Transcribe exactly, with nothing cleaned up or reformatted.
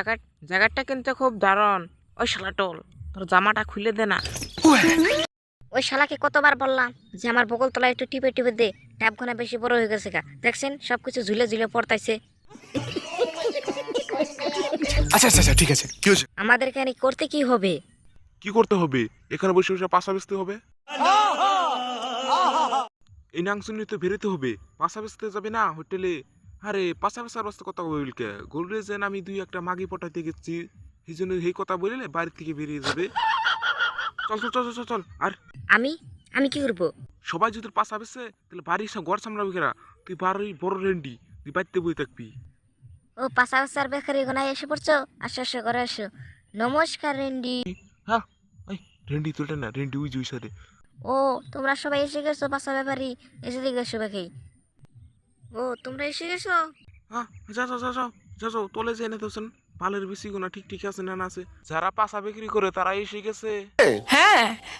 জায়গা জায়গাটা কিন্তু খুব দারুণ। ওই শালাটোল, তোর জামাটা খুলে দে না। ওই শালাকে কতবার বললাম যে আমার বগল তলায় একটু টিপে টিপে দে, ট্যাপখানা বেশি বড় হয়ে গেছে গা। দেখছেন সবকিছু ঝুলে ঝুলে পড়তাইছে। আচ্ছা আচ্ছা আচ্ছা ঠিক আছে, কি হয়েছে? আমাদের এখানে করতে কি হবে? কি করতে হবে? এখানে বসে বসে পাশা বেচতে হবে। এই নাংশুনি তো বেরোতে হবে, পাশা বেচতে যাবে না হোটেলে। আরে পাশা বেচার বাস্তে কথা বলকে গোলরে যেন আমি দুই একটা মাগি পটাইতে গেছি, এই জন্য এই কথা বললে বাড়ি থেকে বেরিয়ে যাবে। চল চল চল চল চল। আর আমি আমি কি করবো? সবাই যদি তোর পাশা বেচে তাহলে বাড়ির সব ঘর সামলাবি কেরা? তুই বাড়ি বড় রেন্ডি, তুই বাড়িতে বই থাকবি। ও পাশা পাশার বেকারি গোনায় এসে পড়ছো? আসো আসো করে আসো। নমস্কার রেন্ডি। হ্যাঁ, এই রেন্ডি তুলটা না, রেন্ডি উই জুই সারে। ও তোমরা সবাই এসে গেছো পাশা ব্যাপারি, এসে দিকে এসো বেকাই। ও তোমরা এসে গেছো? হ্যাঁ, যা যাও যা যাও যা যাও তোলে যে এনে তোছেন পালের বেশি গোনা ঠিক ঠিক আছে না না আছে। যারা পাশা বিক্রি করে তারা এসে গেছে। হ্যাঁ